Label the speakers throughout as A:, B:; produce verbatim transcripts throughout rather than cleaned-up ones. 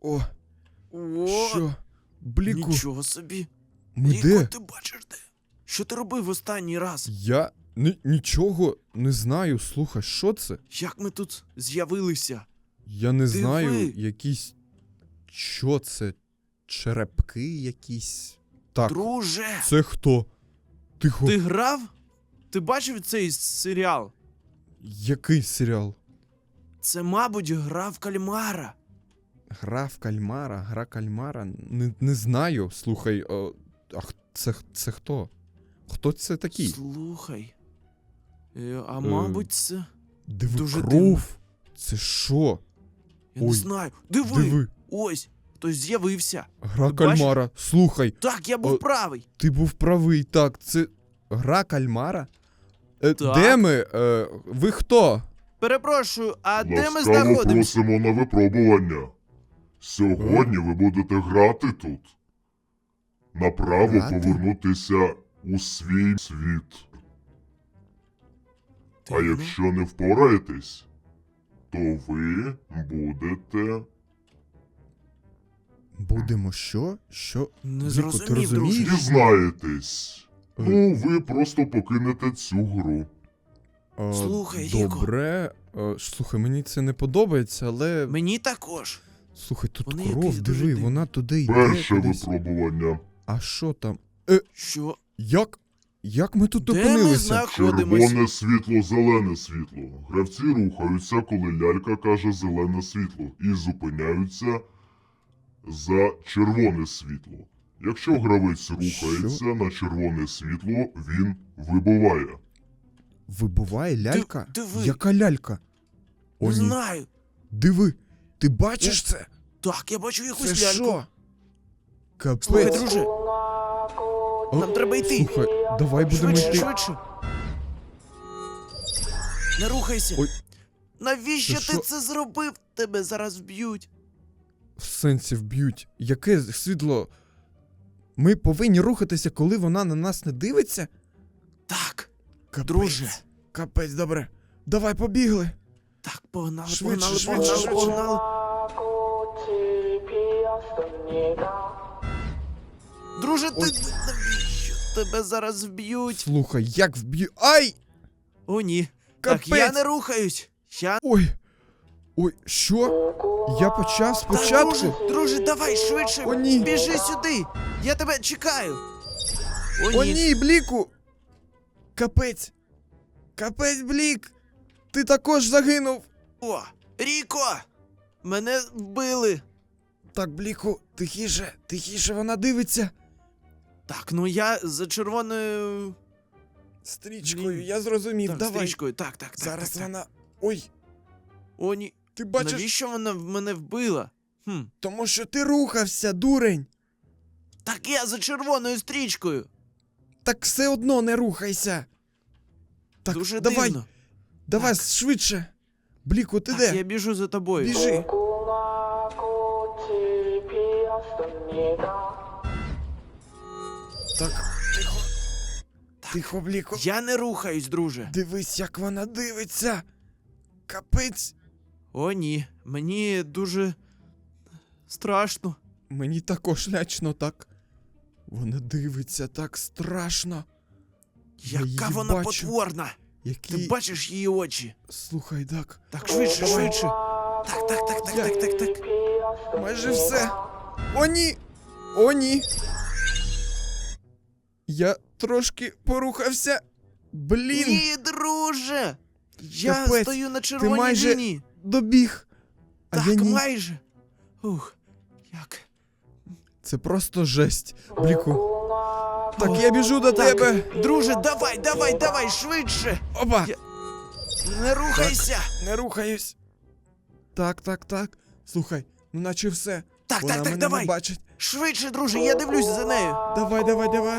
A: О,
B: О,
A: що? Бліку,
B: нічого собі.
A: ми
B: Ліко,
A: де?
B: ти бачиш де? Що ти робив останній раз?
A: Я ні- нічого не знаю. Слухай, що це?
B: Як ми тут з'явилися?
A: Я не
B: Диви.
A: знаю, якісь... Що це? Черепки якісь? Так,
B: Друже,
A: це хто? Тихо.
B: ти грав? Ти бачив цей серіал?
A: Який серіал?
B: Це, мабуть, гра в кальмара.
A: Гра в кальмара, гра кальмара? Не, не знаю. Слухай, о, а х- це, це хто? Хто це такий?
B: Слухай. Е, а мабуть, це.
A: Диви,
B: дуже
A: кров.
B: дивно.
A: Це що?
B: Я
A: Ой,
B: не знаю. Диви!
A: Диви.
B: Ось, хтось з'явився.
A: Гра
B: Ти бачиш?
A: кальмара. Слухай,
B: Так, я був
A: О,
B: правий.
A: ти був правий. Так, це гра кальмара? Е,
B: Так.
A: Де ми? Е, ви хто?
B: Перепрошую, а де ми
C: Ласкаво
B: знаходимося?
C: просимо на випробування. Сьогодні ви будете грати тут. Направо
A: Грати?
C: повернутися у свій світ. А
B: Дивно.
C: якщо не впораєтесь, то ви будете...
A: Будемо що? Що?
B: Не
A: Віко, ти
B: зрозумів,
A: розумієш?
B: друже.
C: Дізнаєтесь. Ну, ви просто покинете цю гру.
A: Е,
B: Слухай, Віко.
A: Добре. Е, слухай, мені це не подобається, але...
B: Мені також.
A: Слухай, тут
B: Вони
A: кров,
B: якісь дуже
A: диви,
B: дивні.
A: вона туди йде
C: Перше
A: кудись.
C: випробування.
A: А що там?
B: Що?
A: Як? Як ми тут
B: Де ми
A: опинилися?
B: знаходимося?
C: Червоне світло, зелене світло. Гравці рухаються, коли лялька каже зелене світло, і зупиняються за червоне світло. Якщо гравець рухається на червоне світло, він вибуває.
A: Вибуває лялька?
B: диви.
A: Яка лялька? О,
B: Не
A: ні.
B: знаю.
A: Диви, ти бачиш це?
B: Так, я бачу
A: Це
B: якусь ляльку.
A: що? Капець.
B: Слухай, друже,
A: О,
B: нам треба йти.
A: Слухай, давай будемо
B: швидше,
A: йти.
B: швидше. Не рухайся.
A: Ой.
B: Навіщо
A: Це
B: ти
A: що?
B: це зробив? Тебе зараз вб'ють.
A: В сенсі вб'ють. Яке світло? Ми повинні рухатися, коли вона на нас не дивиться?
B: Так,
A: Капець.
B: друже.
A: Капець, добре. Давай побігли.
B: Так, погнали,
A: Швидше,
B: погнали,
A: швидше,
B: погнали,
A: швидше.
B: погнали. Друже, ти
A: Ой.
B: навіщо? Тебе зараз вб'ють.
A: Слухай, як вб'ю. Ай!
B: О, ні.
A: Капець.
B: Так, я не рухаюсь. Я...
A: Ой. Ой, що? Я почав
B: Так,
A: спочатку.
B: друже, друже, давай швидше.
A: О, ні.
B: Біжи сюди. Я тебе чекаю. О, ні.
A: О, ні, Бліку! Капець! Капець, Блік! Ти також загинув!
B: О, Ріко! Мене вбили.
A: Так, Бліку, тихіше, тихіше, вона дивиться.
B: Так, ну я за червоною...
A: Стрічкою,
B: Блін.
A: я зрозумів,
B: Так,
A: давай.
B: стрічкою. Так, так, так.
A: Зараз
B: так, так.
A: вона. Ой,
B: О, ні.
A: ти бачиш,
B: Навіщо вона в мене вбила? Хм.
A: тому що ти рухався, дурень.
B: Так я за червоною стрічкою.
A: Так все одно не рухайся. Так,
B: Дуже
A: давай,
B: дивно.
A: давай
B: Так.
A: швидше. Бліку, ти
B: Так,
A: де?
B: я біжу за тобою.
A: Біжи. Так, тихо. Тихо, Бліку.
B: Я не рухаюсь, друже.
A: Дивись, як вона дивиться. Капець.
B: О, ні. Мені дуже страшно.
A: Мені також лячно так. Вона дивиться так страшно. Я
B: Яка
A: її
B: вона
A: бачу.
B: потворна.
A: Які...
B: Ти бачиш її очі?
A: Слухай, так.
B: Так, швидше,
A: Давай.
B: швидше. Так, так, так, так,
A: Я-
B: так, так, так.
A: Майже все. О, ні! О, ні! Я трошки порухався. Блін,
B: Ні, друже! Я
A: Капець,
B: стою на
A: ти
B: червоній
A: майже
B: лінії.
A: добіг. А
B: Так,
A: я ні.
B: майже. Ух, як.
A: Це просто жесть. Бліку. Так, я біжу до
B: Так,
A: тебе.
B: друже, давай, давай, давай, швидше.
A: Опа!
B: Я- Не рухайся.
A: Не рухаюсь. Так, так, так. Слухай, ну наче все.
B: Так,
A: Вона
B: так, так,
A: мене
B: давай.
A: не бачить.
B: Швидше, друже, я дивлюсь за нею.
A: Давай, давай, давай.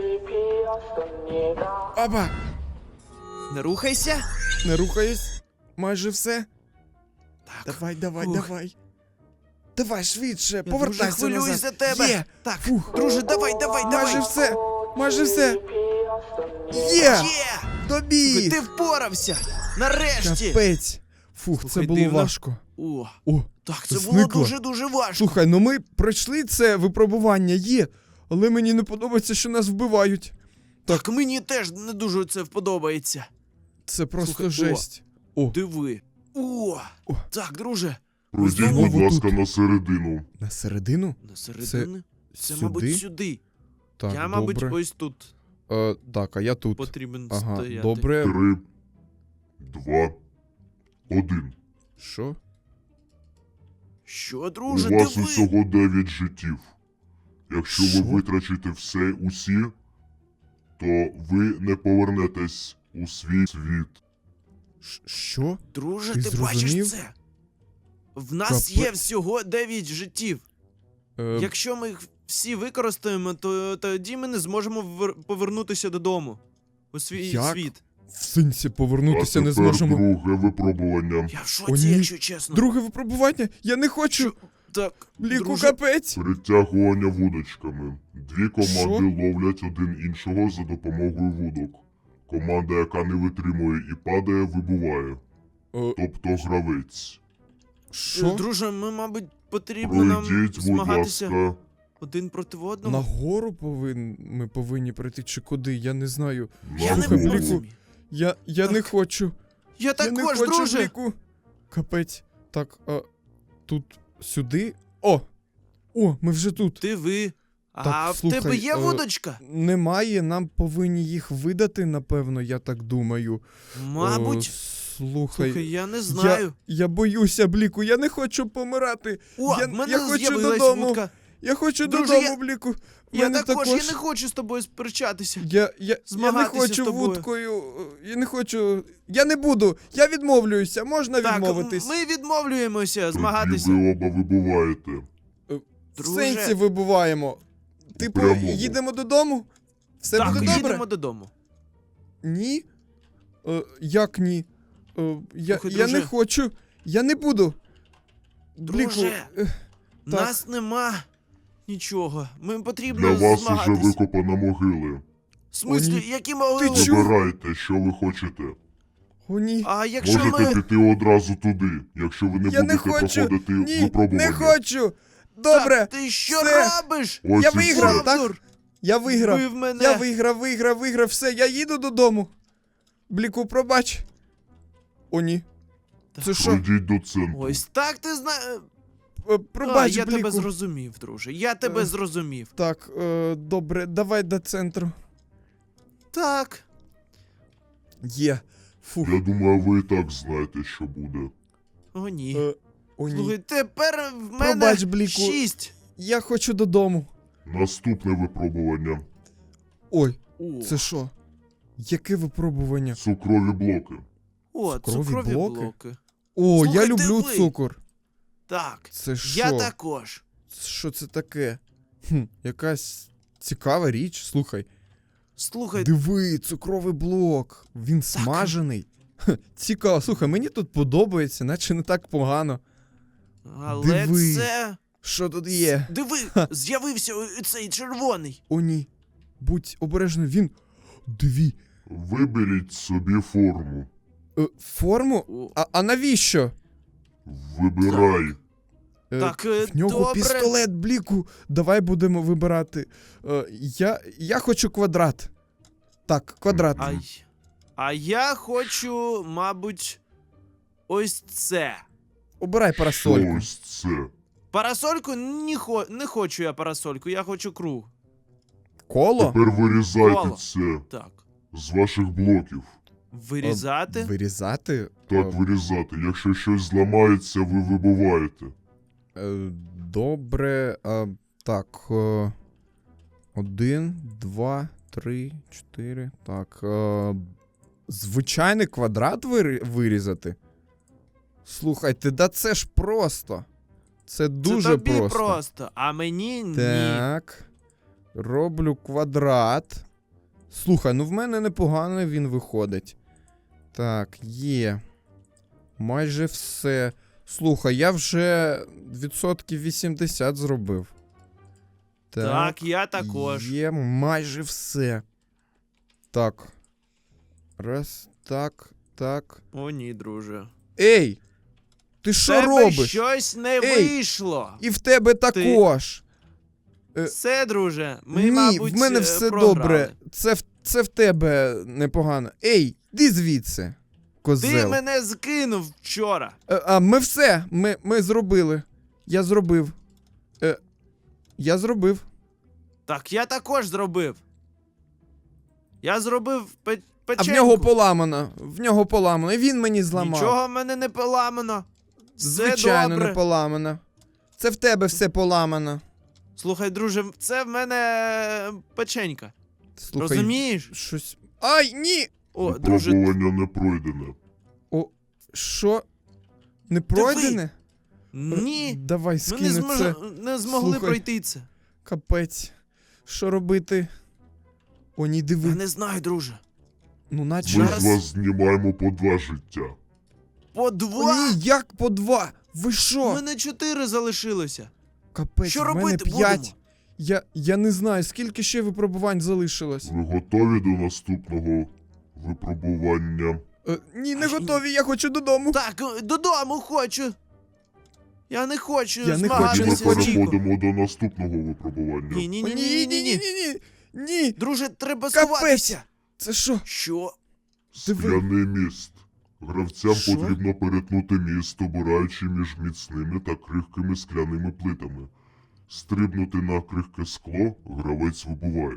A: Опа!
B: Не рухайся.
A: Не рухаюсь. Майже все.
B: Так.
A: Давай, давай,
B: Фух.
A: давай. Давай швидше,
B: Я
A: повертайся
B: дуже хвилююсь
A: назад.
B: за тебе.
A: Є.
B: Так,
A: Фух.
B: друже, давай, давай,
A: Майже
B: давай.
A: все. Майже все. Є.
B: Є.
A: Добіг.
B: Ти впорався. Нарешті.
A: Капець. Фух,
B: Слухай,
A: це було
B: дивно.
A: важко.
B: О,
A: О,
B: так, це було
A: зникло.
B: дуже-дуже важко.
A: Слухай, ну ми пройшли це випробування, є, але мені не подобається, що нас вбивають.
B: Так, мені теж не дуже це вподобається.
A: Це просто
B: Слухай, о.
A: жесть. О,
B: Диви. О,
A: О.
B: так, друже.
C: Пройдіть,
B: знову
C: будь
A: тут.
C: ласка, на середину.
A: на середину?
B: На середини? Це,
A: сюди?
B: мабуть, сюди.
A: Так,
B: Я, мабуть,
A: добре.
B: ось тут
A: Е, так, а я тут.
B: потрібен
A: Ага,
B: стояти.
A: добре.
C: Три, два, один.
A: Що?
B: Що, друже,
C: У вас
B: диви?
C: усього дев'ять життів. Якщо
A: Що?
C: ви витрачите все усі, то ви не повернетесь у свій світ.
A: Ш- Що?
B: Друже,
A: Ти
B: ти,
A: зрозумів?
B: бачиш це? В нас
A: Капець.
B: є всього дев'ять життів.
A: Е,
B: Якщо ми їх всі використаємо, то тоді ми не зможемо вер- повернутися додому. У свій
A: Як?
B: світ.
A: В сенсі повернутися
C: а
A: не
C: тепер
A: зможемо.
C: друге випробування.
B: Я в
A: О,
B: шоці,
A: ні.
B: якщо чесно.
A: Друге випробування? Я не хочу.
B: Що? Так,
A: Бліку,
B: друже,
A: капець.
C: Притягування вудочками. Дві команди
A: Що?
C: ловлять один іншого за допомогою вудок. Команда, яка не витримує і падає, вибуває.
A: Е,
C: Тобто гравець.
A: Що?
B: друже, ми, мабуть, потрібно нам
C: Пройдіть, будь
B: змагатися
C: ласка.
B: один проти одного.
A: Нагору повин... ми повинні прийти чи куди? Я не знаю.
B: Я не
A: Слухай,
C: нагору.
A: Бліку,
B: розумію.
A: Я, я не
B: Так.
A: хочу.
B: Я
A: я не
B: також,
A: хочу,
B: друже.
A: Бліку. Капець. Так, а, тут сюди. О! О, ми вже тут.
B: Ти ви.
A: Так,
B: А в
A: слухай,
B: тебе є
A: е,
B: водочка?
A: Немає, нам повинні їх видати, напевно, я так думаю.
B: Мабуть.
A: О, слухай,
B: Слухай, я не знаю.
A: Я, я боюся, Бліку, я не хочу помирати.
B: О,
A: я,
B: в мене
A: я хочу
B: з'явилась
A: додому.
B: вудка.
A: Я хочу
B: Друже,
A: додому,
B: я-
A: Бліку. В
B: Я
A: мене
B: також, я не хочу з тобою сперечатися.
A: Я, я, я не
B: змагатися з
A: хочу
B: тобою.
A: вудкою. е, Я не хочу. Я не буду. Я відмовлююся. Можна
B: Так,
A: відмовитись.
B: ми відмовлюємося
C: Тоді
B: змагатися.
C: ви оба вибуваєте.
A: В
B: Друже.
A: сенсі вибуваємо. Типу,
C: Прямому.
A: їдемо додому? Все
B: Так,
A: буде добре?
B: їдемо додому.
A: Ні? Е, як ні? Е, я,
B: Слухай,
A: я не
B: друже.
A: хочу. Я не буду. Бліку,
B: Друже.
A: е, Так.
B: Нас нема нічого. Ми потрібно
C: Для вас уже
B: змагатись.
C: викопана могили.
B: В смислі,
A: О, ні.
B: які могили?
A: чу-
C: Вибирайте, що ви хочете.
A: о, ні.
B: А якщо
C: Можете
B: ми...
C: піти одразу туди, якщо ви не
A: Я не
C: будете
A: хочу.
C: проходити
A: Ні,
C: випробування.
A: не хочу. Добре.
B: Так, ти що
A: все.
B: робиш?
C: Ось
A: Я
C: і
A: виграв,
C: все.
A: так?
B: Бовдур,
A: Я виграв.
B: вбив мене.
A: Я виграв, виграв, виграв. Все, я їду додому. Бліку, пробач. О, ні. Це що?
C: Пройдіть до центру.
B: Ось так ти знаєш.
A: Е,
B: А,
A: Пробач,
B: я
A: Бліку.
B: тебе зрозумів, друже. Я тебе
A: Е.
B: зрозумів.
A: Так, е, добре, давай до центру.
B: Так.
A: Є. Фух.
C: Я думаю, ви і так знаєте, що буде.
B: О, ні.
A: Е, о, ні.
B: Слухай, тепер в мене
A: Пробач, Бліку.
B: шість.
A: Я хочу додому.
C: Наступне випробування.
A: Ой,
B: О,
A: це що? Яке випробування?
C: Цукрові блоки.
B: О,
A: цукрові
B: цукрові
A: блоки?
B: блоки.
A: О,
B: Слухай,
A: я люблю
B: диви.
A: цукор.
B: Так.
A: Це що?
B: Я також.
A: Що це таке? Хм, якась цікава річ. Слухай.
B: Слухай,
A: Диви, цукровий блок. Він смажений. Хе, цікаво. Слухай, мені тут подобається, наче не так погано.
B: але
A: диви.
B: це.
A: Що тут є?
B: Диви, з'явився о- цей червоний.
A: О, ні. Будь обережний, він. Диві.
C: Виберіть собі форму.
A: Е, форму?
B: О,
A: А, а навіщо?
C: Вибирай.
A: Е,
B: Так, е,
A: в нього
B: добре.
A: пістолет, Бліку. Давай будемо вибирати. Е, я, я хочу квадрат. Так, квадрат.
B: А, й- а я хочу, мабуть, ось це.
A: Обирай парасольку.
C: Ось це.
B: Парасольку не, хо... не хочу я парасольку, я хочу круг.
A: Коло?
C: Тепер вирізайте
B: Коло.
C: це
B: Так.
C: з ваших блоків.
B: Вирізати.
A: Е, Вирізати?
C: Так,
A: Е,
C: вирізати. Якщо щось зламається, ви вибуваєте.
A: Е, Добре. е, Так. е, Один, два, три, чотири. Так. е, Звичайний квадрат вири- вирізати? Слухайте, да це ж просто. Це дуже
B: це тобі
A: просто.
B: просто, а мені ні.
A: Так. Роблю квадрат. Слухай, ну в мене непогано він виходить. Так, є. Майже все. Слухай, я вже відсотків вісімдесят зробив.
B: Так, я також.
A: Є майже все. Так. Раз, так, так.
B: О, ні, друже.
A: Ей! Ти що
B: Тебе
A: робиш?
B: щось не
A: Ей,
B: вийшло.
A: І в тебе також. Е,
B: Все, друже, ми,
A: Ні,
B: мабуть,
A: в мене
B: е,
A: все
B: програли.
A: добре. Це в, це в тебе непогано. Ей, іди звідси, козел.
B: Ти мене скинув вчора.
A: Е, А ми все, ми, ми зробили. Я зробив. Е, я зробив.
B: Так, я також зробив. Я зробив пе
A: А
B: печеньку.
A: в нього поламано. В нього поламано. І він мені зламав.
B: Нічого в мене не поламано. Все
A: Звичайно,
B: добре.
A: не поламано. Це в тебе все поламано.
B: Слухай, друже, це в мене е, печенька.
A: Слухай,
B: Розумієш?
A: щось. Ай, ні!
B: О, друже,
C: Випробування не пройдене.
A: О, що? Не пройдене?
B: ні.
A: Давай
B: Ми
A: скину
B: не, змож...
A: це.
B: не змогли
A: Слухай.
B: пройти це.
A: Капець. Що робити? О, ні, диви.
B: Я не знаю, друже.
A: Ну, наче.
C: Ми
B: Зараз-
C: з вас знімаємо по два життя.
B: По
A: О,
B: два?
A: ні, як по два? Ви
B: У
A: що?
B: мене чотири залишилося.
A: Капець,
B: Що
A: в мене
B: робити
A: п'ять.
B: будемо?
A: Я, я не знаю, скільки ще випробувань залишилось.
C: Ви готові до наступного випробування?
A: Е, ні, не
B: Ай,
A: готові, я хочу додому.
B: Так, е, додому хочу. Я не хочу
A: Я не хочу
C: Тоді ми
B: змагатися з Чіко.
C: переходимо до наступного випробування.
B: Ні, ні,
A: О,
B: ні, ні, ні, ні.
A: ні, ні.
B: Друже, треба
A: Капець.
B: сховатися.
A: Це що?
B: Що?
A: Диви.
C: Скляний міст. Гравцям
A: Що?
C: потрібно перетнути міст, обираючи між міцними та крихкими скляними плитами. Стрибнути на крихке скло гравець вибуває.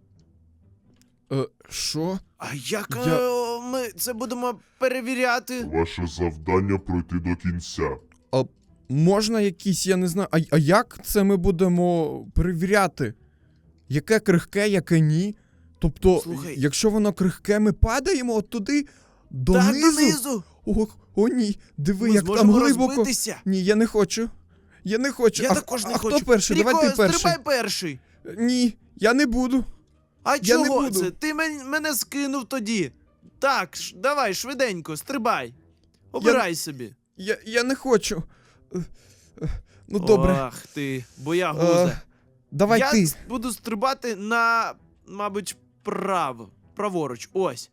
A: Е, що?
B: А як
A: Я-
B: е, ми це будемо перевіряти?
C: Ваше завдання пройти до кінця.
A: А можна якісь, я не знаю. А, а як це ми будемо перевіряти? Яке крихке, яке ні? Тобто,
B: Слухай.
A: якщо воно крихке, ми падаємо от туди
B: Так,
A: донизу?
B: донизу.
A: О, о, ні, диви,
B: Ми
A: як там
B: зможемо
A: глибоко.
B: розбитися.
A: Ні, я не хочу. Я не хочу.
B: Я
A: а,
B: також не
A: а
B: хочу.
A: хто перший? Давай
B: Ріко,
A: ти перший.
B: стрибай перший.
A: Ні, я не буду.
B: А
A: Я не
B: чого
A: буду.
B: це? Ти мен- мене скинув тоді. Так, ш- давай, швиденько, стрибай. Обирай собі.
A: Я, я не хочу. Е, е, Ну добре.
B: Ах ти, боягуза.
A: Е, давай
B: Я
A: ти.
B: с- буду стрибати на, мабуть, право. Праворуч. Ось.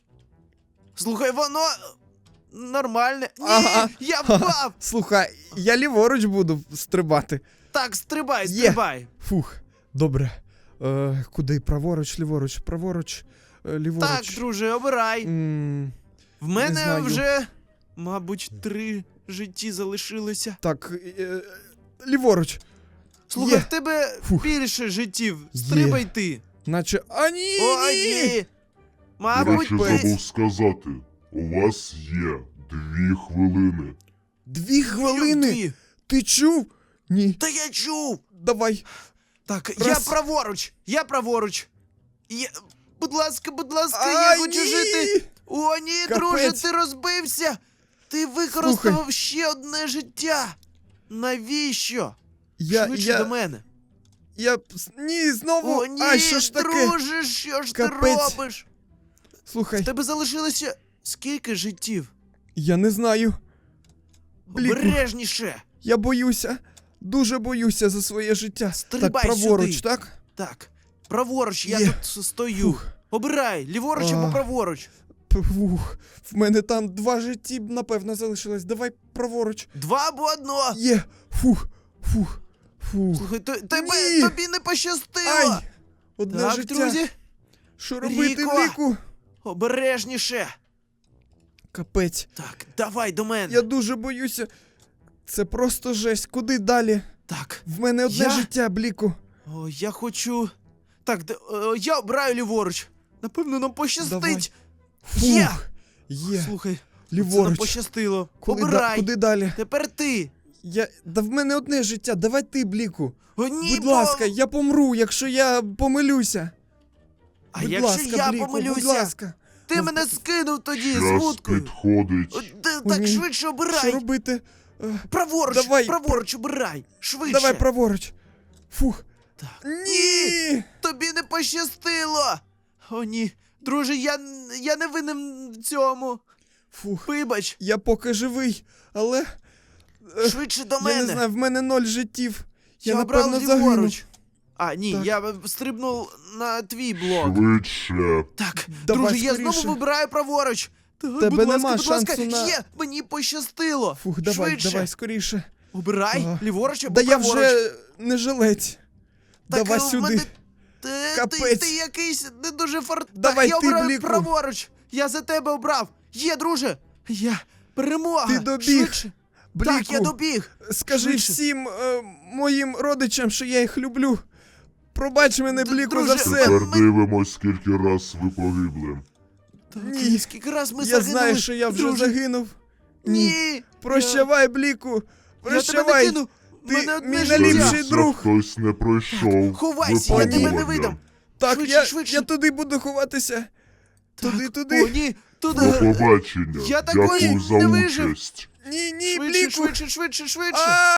B: Слухай, воно нормальне. Ні,
A: Ага.
B: я впав.
A: Слухай, я ліворуч буду стрибати.
B: Так, стрибай,
A: Є.
B: стрибай.
A: Фух, добре. Е, куди? Праворуч, ліворуч, праворуч, е, ліворуч.
B: Так, друже, обирай.
A: М,
B: В мене
A: знаю.
B: вже, мабуть, три житті залишилося.
A: так, е, ліворуч.
B: Слухай,
A: Є.
B: в тебе
A: Фух.
B: більше життів.
A: Є.
B: Стрибай ти.
A: Наче. А ні!
B: О,
A: ні!
B: ні.
C: До
B: Мабуть,
C: речі,
B: ти...
C: забув сказати. У вас є дві хвилини.
A: Дві хвилини!
B: Дві.
A: Ти чув? Ні.
B: Та я чув.
A: Давай.
B: Так,
A: Раз.
B: я праворуч, я праворуч. Я... Будь ласка, будь ласка,
A: А,
B: я хочу
A: ні!
B: жити. О, ні,
A: Капець.
B: друже, ти розбився. Ти використав ще одне життя. Навіщо?
A: Я,
B: Швидше
A: я,
B: до мене.
A: я, ні, знову.
B: О, ні,
A: Ай, що ж таке?
B: друже, що ж
A: Капець.
B: ти робиш?
A: Слухай,
B: В тебе залишилося скільки життів?
A: я не знаю. Бліку.
B: Обережніше.
A: Я боюся. Дуже боюся за своє життя.
B: Стрибай
A: так, праворуч,
B: сюди.
A: так?
B: Так, праворуч, я
A: Є.
B: тут стою.
A: Фух.
B: Обирай, ліворуч або
A: А.
B: праворуч.
A: Фух. В мене там два житті, напевно, залишилось. Давай праворуч.
B: Два або одно.
A: Є. Фух. Фух. Фух.
B: Слухай, то, тебе,
A: Ні.
B: тобі не пощастило.
A: Ай! Одне
B: Так,
A: життя.
B: друзі,
A: Що робити,
B: Ріко.
A: Ріку?
B: обережніше.
A: Капець.
B: Так, давай до мене.
A: Я дуже боюся. Це просто жесть. Куди далі?
B: Так,
A: В мене одне
B: Я?
A: життя, Бліку.
B: о, я хочу. Так, д- е, я обираю ліворуч. Напевно, нам пощастить.
A: Давай.
B: Є.
A: Фух. Є.
B: Слухай, це нам
A: Ліворуч.
B: пощастило.
A: Куди, да-
B: Обирай.
A: куди далі?
B: Тепер ти.
A: Я... Да в мене одне життя. Давай ти, Бліку.
B: О, ні,
A: Будь
B: бо-
A: ласка, я помру, якщо я помилюся.
B: А
A: будь
B: якщо
A: ласка,
B: я
A: Бліку,
B: помилюся?
A: будь ласка.
B: Ти
A: Ну,
B: мене скинув тоді з
C: Час
B: вудкою. О,
C: підходить.
B: д-
A: О,
B: Так,
A: ні.
B: швидше
A: Що
B: обирай.
A: робити? Е,
B: Праворуч,
A: Давай,
B: праворуч обирай. Швидше.
A: Давай праворуч. Фух.
B: Так.
A: Ні!
B: Тобі не пощастило. О, ні. Друже, я, я не винен в цьому.
A: Фух.
B: Вибач,
A: Я поки живий, але е,
B: швидше до
A: я
B: мене.
A: не знаю, в мене ноль життів. Я,
B: Я
A: напевно
B: обрав
A: загину.
B: ліворуч. А, ні,
A: Так.
B: я стрибнув на твій блок.
C: Швидше.
B: Так,
A: Давай
B: друже, я
A: скоріше.
B: знову вибираю праворуч. Так,
A: Тебе
B: будь ласка,
A: нема
B: будь ласка.
A: шансу на-
B: Є, мені пощастило.
A: Фух, давай,
B: Швидше.
A: давай, скоріше.
B: Обирай,
A: Ага.
B: ліворуч або
A: Да я
B: праворуч.
A: вже не жилець.
B: Так,
A: Давай
B: а в
A: сюди.
B: мене- Ти, ти,
A: Капець.
B: ти якийсь не дуже фар...
A: Давай
B: так,
A: ти,
B: я обираю
A: Бліку.
B: праворуч. Я за тебе обрав. Є, друже. Я. Перемога.
A: Ти добіг.
B: Швидше.
A: Бліку,
B: Так, я добіг.
A: скажи
B: Швидше.
A: всім е, моїм родичам, що я їх люблю. Пробач мене,
B: Д-
A: Бліку,
B: друже,
A: за все.
C: Тепер
B: ми-
C: дивимось, скільки раз ви погибли.
B: Так,
A: Ні.
B: скільки раз ми
A: Я
B: загинули.
A: знаю, що я вже
B: друже.
A: загинув.
B: Ні.
A: Прощавай, Бліку.
B: Я, я тебе не
A: Прощавай.
B: кину.
A: Ти
B: Мене одне
A: мій
B: життя.
A: найліпший
C: Здається,
A: друг.
C: хтось не пройшов.
B: Ховайся, я тебе не
C: випробування.
B: видам.
A: Так,
B: Швидше,
A: я,
B: швидше.
A: я туди буду ховатися. Туди,
B: Так,
A: туди.
B: О, ні.
C: До
B: Туди.
C: побачення.
B: Я такої
C: Дякую за
B: не вижив.
C: участь.
A: Ні, ні,
B: Швидше,
A: Бліку.
B: швидше, швидше, швидше.
A: А!